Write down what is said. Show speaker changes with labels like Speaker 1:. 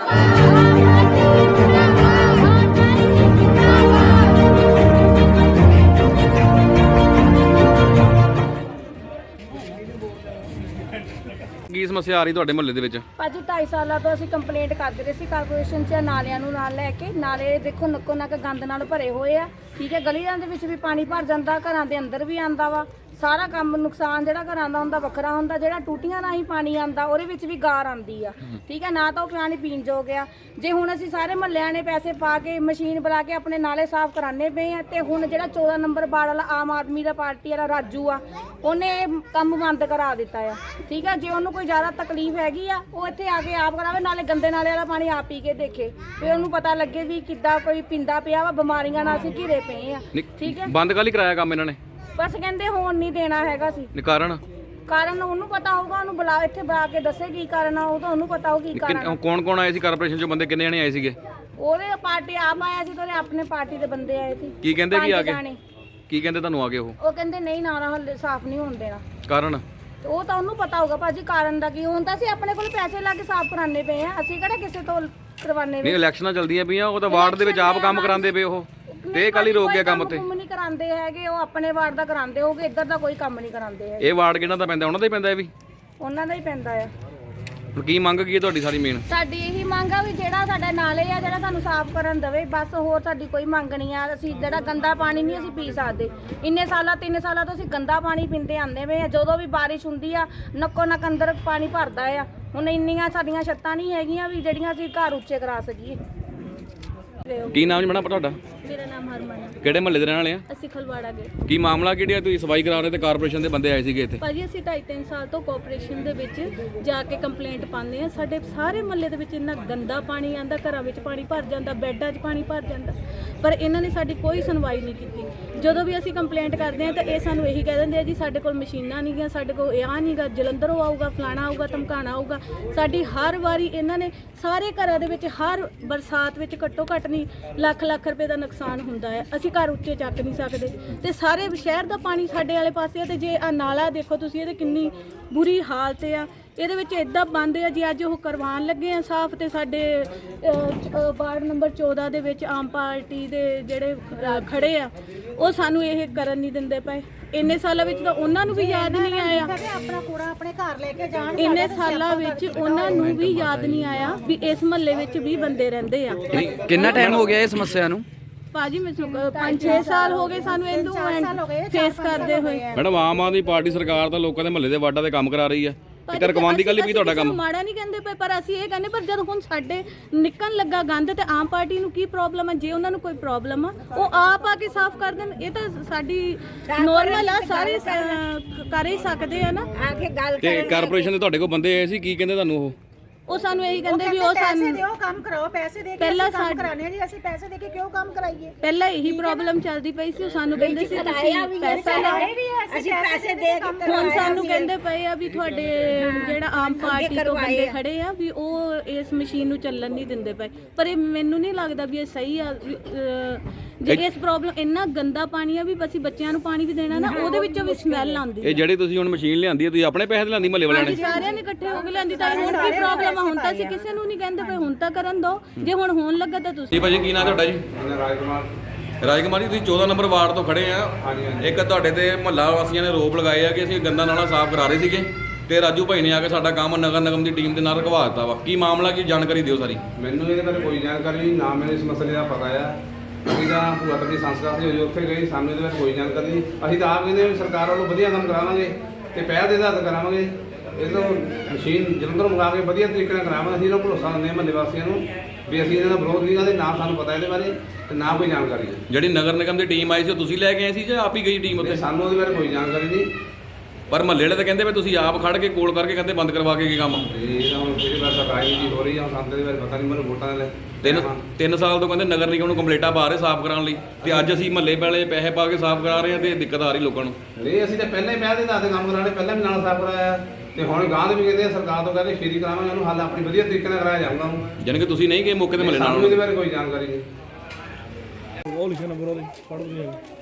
Speaker 1: ਕੀ ਸਮੱਸਿਆ ਆ ਰਹੀ ਤੁਹਾਡੇ ਮੁਹੱਲੇ ਦੇ ਵਿੱਚ?
Speaker 2: ਭਾਜੀ 2.5 ਸਾਲਾਂ ਤੋਂ ਅਸੀਂ ਕੰਪਲੇਂਟ ਕਰਦੇ ਰਹੇ ਸੀ ਕਾਰਪੋਰੇਸ਼ਨ 'ਚ ਨਾਲਿਆਂ ਨੂੰ ਨਾਲ ਲੈ ਕੇ। ਨਾਲੇ ਦੇਖੋ ਨੱਕੋ ਨੱਕ ਗੰਦ ਨਾਲ ਭਰੇ ਹੋਏ ਆ, ਠੀਕ ਹੈ। ਗਲੀਆਂ ਦੇ ਵਿੱਚ ਵੀ ਪਾਣੀ ਭਰ ਜਾਂਦਾ, ਘਰਾਂ ਦੇ ਅੰਦਰ ਵੀ ਆਂਦਾ ਵਾ। ਸਾਰਾ ਕੰਮ ਨੁਕਸਾਨ ਜਿਹੜਾ ਘਰਾਂ ਦਾ ਹੁੰਦਾ ਵੱਖਰਾ ਹੁੰਦਾ, ਜਿਹੜਾ ਟੂਟੀਆਂ ਰਾਹੀਂ ਪਾਣੀ ਆਂਦਾ ਉਹਦੇ ਵਿੱਚ ਵੀ ਗਾਰ ਆਂਦੀ ਆ, ਠੀਕ ਹੈ ਨਾ। ਤਾਂ ਉਹ ਪਾਣੀ ਪੀਣ ਯੋਗ ਆ। ਜੇ ਹੁਣ ਅਸੀਂ ਸਾਰੇ ਮਹੱਲਿਆਂ ਨੇ ਪੈਸੇ ਪਾ ਕੇ ਮਸ਼ੀਨ ਬੁਲਾ ਕੇ ਆਪਣੇ ਨਾਲੇ ਸਾਫ਼ ਕਰਾਣੇ ਪਏ ਆ, ਤੇ ਹੁਣ ਜਿਹੜਾ 14 ਨੰਬਰ ਵਾਰਡ ਵਾਲਾ ਆਮ ਆਦਮੀ ਦਾ ਪਾਰਟੀ ਵਾਲਾ ਰਾਜੂ ਆ, ਉਹਨੇ ਇਹ ਕੰਮ ਬੰਦ ਕਰਾ ਦਿੱਤਾ ਆ, ਠੀਕ ਹੈ। ਜੇ ਉਹਨੂੰ ਕੋਈ ਜ਼ਿਆਦਾ ਤਕਲੀਫ ਹੈਗੀ ਆ, ਉਹ ਇੱਥੇ ਆ ਕੇ ਆਪ ਕਰਾਵੇ, ਨਾਲੇ ਗੰਦੇ ਨਾਲੇ ਵਾਲਾ ਪਾਣੀ ਆਪ ਪੀ ਕੇ ਦੇਖੇ, ਫਿਰ ਉਹਨੂੰ ਪਤਾ ਲੱਗੇ ਵੀ ਕਿੱਦਾਂ ਕੋਈ ਪੀਂਦਾ ਪਿਆ ਵਾ। ਬਿਮਾਰੀਆਂ ਨਾਲ ਅਸੀਂ ਘਿਰੇ ਪਏ ਆ, ਠੀਕ ਹੈ।
Speaker 1: ਬੰਦ ਕਾਹਲੀ ਕਰਾਇਆ ਕੰਮ ਇਹਨਾਂ ਨੇ?
Speaker 2: ਬਸ ਕਹਿੰਦੇ ਹੋਣ ਨਹੀਂ ਦੇਣਾ ਹੈਗਾ ਸੀ। ਕਾਰਨ ਉਹਨੂੰ ਪਤਾ ਹੋਊਗਾ, ਉਹਨੂੰ ਬੁਲਾ ਇੱਥੇ ਬੁਲਾ ਕੇ ਦੱਸੇ ਕੀ ਕਾਰਨ ਆ, ਉਹ ਤਾਂ ਉਹਨੂੰ ਪਤਾ ਹੋ ਕੀ ਕਾਰਨ।
Speaker 1: ਕੌਣ ਕੌਣ ਆਏ ਸੀ ਕਾਰਪੋਰੇਸ਼ਨ ਚੋਂ? ਬੰਦੇ ਕਿੰਨੇ ਜਣੇ ਆਏ ਸੀਗੇ?
Speaker 2: ਉਹਦੇ ਪਾਰਟੀ ਆਪ ਆਇਆ ਸੀ, ਤੇ ਉਹਦੇ ਆਪਣੇ ਪਾਰਟੀ ਦੇ ਬੰਦੇ ਆਏ ਸੀ।
Speaker 1: ਕੀ ਕਹਿੰਦੇ ਕੀ ਆ ਕੇ? ਕੀ ਕਹਿੰਦੇ ਤੁਹਾਨੂੰ ਆ ਕੇ? ਉਹ
Speaker 2: ਕਹਿੰਦੇ ਨਹੀਂ ਨਾਲਾ ਹੱਲੇ ਸਾਫ਼ ਨਹੀਂ ਹੋਣ ਦੇਣਾ।
Speaker 1: ਕਾਰਨ?
Speaker 2: ਉਹ ਤਾਂ ਉਹਨੂੰ ਪਤਾ ਹੋਊਗਾ ਭਾਜੀ ਕਾਰਨ ਦਾ ਕੀ। ਹੁਣ ਤਾਂ ਅਸੀਂ ਆਪਣੇ ਕੋਲ ਪੈਸੇ ਲਾ ਕੇ ਸਾਫ਼ ਕਰਾਣੇ ਪਏ ਆ, ਅਸੀਂ ਕਿਹੜਾ ਕਿਸੇ ਤੋਂ ਕਰਵਾਣੇ।
Speaker 1: ਨਹੀਂ, ਇਲੈਕਸ਼ਨਾਂ ਚੱਲਦੀਆਂ ਪਈਆਂ, ਉਹ ਤਾਂ ਵਾਰਡ ਦੇ ਵਿੱਚ ਆਪ ਕੰਮ ਕਰਾਉਂਦੇ ਪਏ ਉਹ, ਤੇ ਇਹ ਕੱਲ ਹੀ ਰੋਕ ਗਿਆ ਕੰਮ ਤੇ।
Speaker 2: ਕੰਮ ਨਹੀਂ ਕਰਾਉਂਦੇ ਹੈਗੇ, ਉਹ ਆਪਣੇ ਵਾਰਡ ਦਾ ਕਰਾਉਂਦੇ ਹੋਗੇ, ਇੱਧਰ ਦਾ ਕੋਈ ਕੰਮ ਨਹੀਂ ਕਰਾਉਂਦੇ ਹੈਗੇ।
Speaker 1: ਇਹ ਵਾਰਡ ਕਿਹਨਾਂ ਦਾ ਪੈਂਦਾ? ਉਹਨਾਂ ਦਾ ਹੀ ਪੈਂਦਾ? ਇਹ ਵੀ
Speaker 2: ਉਹਨਾਂ ਦਾ ਹੀ ਪੈਂਦਾ ਆ।
Speaker 1: ਹੁਣ ਕੀ ਮੰਗ ਕੀ ਹੈ ਤੁਹਾਡੀ? ਸਾਰੀ ਮੇਨ
Speaker 2: ਸਾਡੀ ਇਹੀ ਮੰਗ ਆ ਵੀ ਜਿਹੜਾ ਸਾਡਾ ਨਾਲੇ ਆ ਜਿਹੜਾ ਸਾਨੂੰ ਸਾਫ਼ ਕਰਨ ਦੇਵੇ, ਬਸ। ਹੋਰ ਸਾਡੀ ਕੋਈ ਮੰਗ ਨਹੀਂ ਆ। ਅਸੀਂ ਜਿਹੜਾ ਗੰਦਾ ਪਾਣੀ ਨਹੀਂ ਅਸੀਂ ਪੀ ਸਕਦੇ। ਇੰਨੇ ਸਾਲਾਂ 3 ਸਾਲਾਂ ਤੋਂ ਅਸੀਂ ਗੰਦਾ ਪਾਣੀ ਪੀਂਦੇ ਆਂਦੇ ਵੇ ਆ। ਜਦੋਂ ਵੀ ਬਾਰਿਸ਼ ਹੁੰਦੀ ਆ ਨੱਕੋ ਨੱਕ ਅੰਦਰ ਪਾਣੀ ਭਰਦਾ ਆ। ਹੁਣ ਇੰਨੀਆਂ ਸਾਡੀਆਂ ਛੱਤਾਂ ਨਹੀਂ ਹੈਗੀਆਂ ਵੀ ਜਿਹੜੀਆਂ ਅਸੀਂ ਘਰ ਉੱਚੇ ਕਰਾ ਸਕੀਏ।
Speaker 1: ਕੀ ਨਾਮ ਜੀ ਮੈਡਮ ਤੁਹਾਡਾ?
Speaker 2: ਮੇਰਾ ਨਾਮ ਹਰਮਨ ਹੈ।
Speaker 1: ਕਿਹੜੇ ਮੁਹੱਲੇ ਦੇ ਰਹਿਣ ਵਾਲੇ ਆ?
Speaker 2: ਅਸੀਂ ਖਲਵਾੜਾ ਗਏ।
Speaker 1: ਕੀ ਮਾਮਲਾ ਕਿਹੜਾ? ਤੁਸੀਂ ਸਫਾਈ ਕਰਾ ਰਹੇ ਤੇ ਕਾਰਪੋਰੇਸ਼ਨ ਦੇ ਬੰਦੇ ਆਏ ਸੀਗੇ ਇੱਥੇ?
Speaker 3: ਭਾਜੀ ਅਸੀਂ 2.5-3 ਸਾਲ ਤੋਂ ਕੋਆਪਰੇਸ਼ਨ ਦੇ ਵਿੱਚ ਜਾ ਕੇ ਕੰਪਲੇਂਟ ਪਾਉਂਦੇ ਆ। ਸਾਡੇ ਸਾਰੇ ਮੁਹੱਲੇ ਦੇ ਵਿੱਚ ਇੰਨਾ ਗੰਦਾ ਪਾਣੀ ਆਂਦਾ, ਘਰਾਂ ਵਿੱਚ ਪਾਣੀ ਭਰ ਜਾਂਦਾ, ਬੈੱਡਾਂ 'ਚ ਪਾਣੀ ਭਰ ਜਾਂਦਾ, ਪਰ ਇਹਨਾਂ ਨੇ ਸਾਡੀ ਕੋਈ ਸੁਣਵਾਈ ਨਹੀਂ ਕੀਤੀ। ਜਦੋਂ ਵੀ ਅਸੀਂ ਕੰਪਲੇਂਟ ਕਰਦੇ ਆ ਤਾਂ ਇਹ ਸਾਨੂੰ ਇਹੀ ਕਹਿ ਦਿੰਦੇ ਆ ਜੀ ਸਾਡੇ ਕੋਲ ਮਸ਼ੀਨਾਂ ਨਹੀਂ ਗੀਆਂ, ਸਾਡੇ ਕੋਲ ਇਹ ਨਹੀਂਗਾ, ਜਲੰਧਰੋਂ ਆਊਗਾ, ਫਲਾਣਾ ਆਊਗਾ, ਧਮਕਾਣਾ ਆਊਗਾ। ਸਾਡੀ ਹਰ ਵਾਰੀ ਇਹਨਾਂ ਨੇ ਸਾਰੇ ਘਰਾਂ ਦੇ ਵਿੱਚ ਹਰ ਬਰਸਾਤ ਵਿੱਚ ਘੱਟੋ ਘੱਟ ਨਹੀਂ ਲੱਖ ਰੁਪਏ ਦਾ ਨੁਕਸਾਨ ਹੁੰਦਾ ਹੈ। ਅਸੀਂ ਘਰ ਉੱਚੇ ਚੱਕ ਨਹੀਂ ਸਕਦੇ, ਤੇ ਸਾਰੇ ਸ਼ਹਿਰ ਦਾ ਪਾਣੀ ਸਾਡੇ ਵਾਲੇ ਪਾਸੇ ਆ। ਤੇ ਜੇ ਆ ਨਾਲਾ ਦੇਖੋ ਤੁਸੀਂ, ਇਹਦੇ ਕਿੰਨੀ ਬੁਰੀ ਹਾਲਤ ਆ। ਇਹਦੇ ਵਿੱਚ ਇਦਾਂ ਬੰਦ ਆ ਜੀ। ਅੱਜ ਉਹ ਕਰਵਾਉਣ ਲੱਗੇ ਆ ਸਾਫ਼, ਤੇ ਸਾਡੇ ਵਾਰਡ ਨੰਬਰ 14 ਦੇ ਵਿੱਚ ਆਮ ਪਾਰਟੀ ਦੇ ਜਿਹੜੇ ਖੜੇ ਆ ਉਹ ਸਾਨੂੰ ਇਹ ਕਰਨ ਨਹੀਂ ਦਿੰਦੇ ਪਏ। ਇੰਨੇ ਸਾਲਾਂ ਵਿੱਚ ਤਾਂ ਉਹਨਾਂ ਨੂੰ ਵੀ ਯਾਦ ਨਹੀਂ ਆਇਆ,
Speaker 4: ਆਪਣਾ ਕੂੜਾ ਆਪਣੇ ਘਰ ਲੈ ਕੇ ਜਾਣ।
Speaker 3: ਇੰਨੇ ਸਾਲਾਂ ਵਿੱਚ ਉਹਨਾਂ ਨੂੰ ਵੀ ਯਾਦ ਨਹੀਂ ਆਇਆ ਵੀ ਇਸ ਮਹੱਲੇ ਵਿੱਚ ਵੀ ਬੰਦੇ ਰਹਿੰਦੇ ਆ।
Speaker 5: ਕਿੰਨਾ ਟਾਈਮ ਹੋ ਗਿਆ ਇਹ ਸਮੱਸਿਆ ਨੂੰ?
Speaker 3: ਭਾਜੀ ਮੈਨੂੰ 5-6 ਸਾਲ ਹੋ ਗਏ ਸਾਨੂੰ ਇਹਨੂੰ ਫੇਸ ਕਰਦੇ ਹੋਏ।
Speaker 1: ਮੈਡਮ ਆਮ ਆਦਮੀ ਪਾਰਟੀ ਸਰਕਾਰ ਤਾਂ ਲੋਕਾਂ ਦੇ ਮੁਹੱਲੇ ਦੇ ਵਾਰਡਾਂ ਦੇ ਕੰਮ ਕਰਾ ਰਹੀ ਆ, ਤੇ ਰਕਮਾਂਦੀ ਕੱਲ ਵੀ ਤੁਹਾਡਾ ਕੰਮ
Speaker 3: ਮਾੜਾ ਨਹੀਂ ਕਹਿੰਦੇ ਪਏ, ਪਰ ਅਸੀਂ ਇਹ ਕਹਿੰਦੇ ਪਰ ਜਦ ਹੁਣ ਸਾਡੇ ਨਿਕਲਣ ਲੱਗਾ ਗੰਦ ਤੇ ਆਮ ਪਾਰਟੀ ਨੂੰ ਕੀ ਪ੍ਰੋਬਲਮ ਹੈ? ਜੇ ਉਹਨਾਂ ਨੂੰ ਕੋਈ ਪ੍ਰੋਬਲਮ ਆ ਉਹ ਆਪ ਆ ਕੇ ਸਾਫ਼ ਕਰ ਦੇਣ। ਇਹ ਤਾਂ ਸਾਡੀ ਨੋਰਮਲ ਆ, ਸਾਰੇ ਕਰ ਹੀ ਸਕਦੇ ਆ ਨਾ।
Speaker 1: ਤੇ ਕਾਰਪੋਰੇਸ਼ਨ ਦੇ ਤੁਹਾਡੇ ਕੋਲ ਬੰਦੇ ਆਏ ਸੀ, ਕੀ ਕਹਿੰਦੇ ਤੁਹਾਨੂੰ?
Speaker 3: ਉਹ ਸਾਨੂੰ ਇਹੀ ਕਹਿੰਦੇ ਵੀ ਉਹ ਸਾਨੂੰ
Speaker 4: ਦਿਓ, ਕੰਮ ਕਰਾਓ, ਪੈਸੇ ਦੇ ਕੇ
Speaker 3: ਪਹਿਲਾਂ
Speaker 4: ਕੰਮ ਕਰਾਣੇ ਜੀ। ਅਸੀਂ ਪੈਸੇ ਦੇ ਕੇ ਕਿਉਂ ਕੰਮ ਕਰਾਈਏ?
Speaker 3: ਪਹਿਲਾਂ ਇਹੀ ਪ੍ਰੋਬਲਮ ਚੱਲਦੀ ਪਈ ਸੀ। ਉਹ ਸਾਨੂੰ ਕਹਿੰਦੇ ਸੀ ਤੁਸੀਂ ਪੈਸਾ ਲਾਓ,
Speaker 4: ਅਸੀਂ ਪੈਸੇ ਦੇ ਕੇ।
Speaker 3: ਹੁਣ ਸਾਨੂੰ ਕਹਿੰਦੇ ਪਏ ਆ ਵੀ ਤੁਹਾਡੇ ਜਿਹੜਾ ਆਮ ਪਾਰਟੀ ਤੋਂ ਬੰਦੇ ਖੜੇ ਆ ਵੀ ਉਹ ਇਸ ਮਸ਼ੀਨ ਨੂੰ ਚੱਲਣ ਨਹੀਂ ਦਿੰਦੇ ਪਏ। ਪਰ ਇਹ ਮੈਨੂੰ ਨਹੀਂ ਲੱਗਦਾ ਵੀ ਇਹ ਸਹੀ ਆ। ਜੇ ਇਸ ਪ੍ਰੋਬਲਮ ਇੰਨਾ ਗੰਦਾ ਪਾਣੀ ਆ ਵੀ ਅਸੀਂ ਬੱਚਿਆਂ ਨੂੰ ਪਾਣੀ ਵੀ ਦੇਣਾ ਨਾ, ਉਹਦੇ ਵਿੱਚੋਂ ਵੀ ਸਮੈਲ ਆਉਂਦੀ।
Speaker 1: ਇਹ ਜਿਹੜੀ ਤੁਸੀਂ ਹੁਣ ਮਸ਼ੀਨ ਲਿਆਂਦੀ ਹੈ, ਤੁਸੀਂ ਆਪਣੇ ਪੈਸੇ ਤੇ ਲਿਆਂਦੀ? ਮਹੱਲੇ ਵਾਲਿਆਂ ਨੇ
Speaker 3: ਸਾਰਿਆਂ ਨੇ ਇਕੱਠੇ ਹੋ ਕੇ ਲਿਆਂਦੀ। ਤਾਂ ਹੁਣ ਕੀ ਪ੍ਰੋਬਲਮ ਆ? ਹੁਣ ਤਾਂ ਅਸੀਂ ਕਿਸੇ ਨੂੰ ਨਹੀਂ ਕਹਿੰਦੇ ਪਏ, ਹੁਣ ਤਾਂ ਕਰਨ ਦੋ। ਜੇ ਹੁਣ ਹੋਣ ਲੱਗਾ ਤਾਂ ਤੁਸੀਂ।
Speaker 1: ਜੀ ਭਾਜੀ ਕੀ ਨਾਮ ਤੁਹਾਡਾ ਜੀ? ਰਾਜਕੁਮਾਰ ਜੀ, ਤੁਸੀਂ 14 ਨੰਬਰ ਵਾਰਡ ਤੋਂ ਖੜੇ ਆ। ਇੱਕ ਤੁਹਾਡੇ ਤੇ ਮੁਹੱਲਾ ਵਾਸੀਆਂ ਨੇ ਰੋਪ ਲਗਾਏ ਆ ਕਿ ਅਸੀਂ ਗੰਦਾ ਨਾਲਾ ਸਾਫ਼ ਕਰਾ ਰਹੇ ਸੀਗੇ, ਤੇ ਰਾਜੂ ਭਾਈ ਨੇ ਆ ਕੇ ਸਾਡਾ ਕੰਮ ਨਗਰ ਨਿਗਮ ਦੀ ਟੀਮ ਦੇ ਨਾਲ ਰਖਵਾ ਦਿੱਤਾ ਵਾ। ਕੀ ਮਾਮਲਾ, ਕੀ ਜਾਣਕਾਰੀ ਦਿਓ ਸਾਰੀ।
Speaker 6: ਮੈਨੂੰ ਇਹਦੇ ਬਾਰੇ ਕੋਈ ਜਾਣਕਾਰੀ ਨਹੀਂ, ਨਾ ਮੈਨੂੰ ਇਸ ਮਸਲੇ ਦਾ ਪਤਾ ਆ। ਅਸੀਂ ਤਾਂ ਭੂਆ ਦੀ ਸੰਸਕਾਰ ਸੀ ਉੱਥੇ ਗਏ, ਸਾਨੂੰ ਇਹਦੇ ਬਾਰੇ ਕੋਈ ਜਾਣਕਾਰੀ ਨਹੀਂ। ਅਸੀਂ ਤਾਂ ਆਪ ਕਹਿੰਦੇ ਸਰਕਾਰ ਵੱਲੋਂ ਵਧੀਆ ਕੰਮ ਕਰਾਵਾਂਗੇ ਤੇ ਪਹਿਲ ਦੇ ਆਧਾਰ ਤੇ ਕਰਾਵਾਂਗੇ। ਇਹ ਤੋਂ ਮਸ਼ੀਨ ਜਲੰਧਰੋਂ ਮੰਗਾ ਕੇ ਵਧੀਆ ਤਰੀਕੇ ਨਾਲ ਕਰਾਵਾਂਗੇ। ਅਸੀਂ ਇਹਨਾਂ ਭਰੋਸਾ ਦਿੰਦੇ ਹਾਂ ਮਹੱਲੇ ਵਾਸੀਆਂ ਨੂੰ ਵੀ ਅਸੀਂ ਇਹਨਾਂ ਦਾ ਵਿਰੋਧ ਨਹੀਂ ਕਰਦੇ, ਨਾ ਸਾਨੂੰ ਪਤਾ ਇਹਦੇ ਬਾਰੇ ਤੇ ਨਾ ਕੋਈ ਜਾਣਕਾਰੀ ਹੈ।
Speaker 1: ਜਿਹੜੀ ਨਗਰ ਨਿਗਮ ਦੀ ਟੀਮ ਆਈ ਸੀ ਉਹ ਤੁਸੀਂ ਲੈ ਕੇ ਆਏ ਸੀ ਜਾਂ ਆਪ ਹੀ ਗਈ ਟੀਮ ਉੱਥੇ?
Speaker 6: ਸਾਨੂੰ ਉਹਦੇ ਬਾਰੇ ਕੋਈ ਜਾਣਕਾਰੀ ਨਹੀਂ,
Speaker 1: ਪਰ ਮਹੱਲੇ ਵਾਲੇ ਤਾਂ ਕਹਿੰਦੇ ਵੀ ਤੁਸੀਂ ਆਪ ਖੜ ਕੇ ਕੋਲ ਕਰਕੇ ਕਹਿੰਦੇ ਬੰਦ ਕਰਵਾ ਕੇ ਕੀ ਕੰਮ?
Speaker 6: ਇਹ ਤਾਂ ਹੁਣ ਕਿਹੜੀ ਵਾਰ ਰਾਜਨੀਤੀ ਹੋ ਰਹੀ ਆ, ਸਾਨੂੰ ਇਹਦੇ ਬਾਰੇ ਪਤਾ ਨਹੀਂ। ਮੈਨੂੰ ਵੋਟਾਂ ਦੇ
Speaker 1: 3 ਸਾਲ ਤੋਂ ਕਹਿੰਦੇ ਨਗਰ ਨਿਗਮ ਨੂੰ ਕੰਪਲੇਂਟਾਂ ਪਾ ਰਹੇ ਸਾਫ਼ ਕਰਾਉਣ ਲਈ, ਤੇ ਅੱਜ ਅਸੀਂ ਮਹੱਲੇ ਵਾਲੇ ਪੈਸੇ ਪਾ ਕੇ ਸਾਫ਼ ਕਰਾ ਰਹੇ ਹਾਂ ਤੇ ਦਿੱਕਤ ਆ ਰਹੀ ਲੋਕਾਂ ਨੂੰ।
Speaker 6: ਨਹੀਂ, ਅਸੀਂ ਤਾਂ ਪਹਿਲਾਂ ਹੀ ਪਹਿਲ ਦੇ ਆਧਾਰ ਤੇ ਕੰਮ ਕਰਾਣੇ, ਪਹਿਲਾਂ ਵੀ ਨਾਲ ਸਾਫ਼ ਕਰਾਇਆ ਤੇ ਹੁਣ ਗਾਂ ਦੇ ਵੀ ਕਹਿੰਦੇ ਆ ਸਰਕਾਰ ਤੋਂ ਕਹਿੰਦੇ ਛੇਤੀ ਕਰਾਵਾਂਗੇ, ਉਹਨੂੰ ਹੱਲ ਆਪਣੀ ਵਧੀਆ ਤਰੀਕੇ ਨਾਲ ਕਰਾਇਆ ਜਾਊਗਾ।
Speaker 1: ਜਾਣੀ ਕਿ ਤੁਸੀਂ ਨਹੀਂ ਗਏ ਮੌਕੇ ਤੇ ਮਹੱਲੇ ਨਾਲ?
Speaker 6: ਸਾਨੂੰ ਇਹਦੇ ਬਾਰੇ ਕੋਈ ਜਾਣਕਾਰੀ ਨਹੀਂ।
Speaker 7: ਉਹ ਲਿਖਿਆ ਨੰਬਰ ਉਹਦੇ ਪੜ੍ਹ ਨਹੀਂ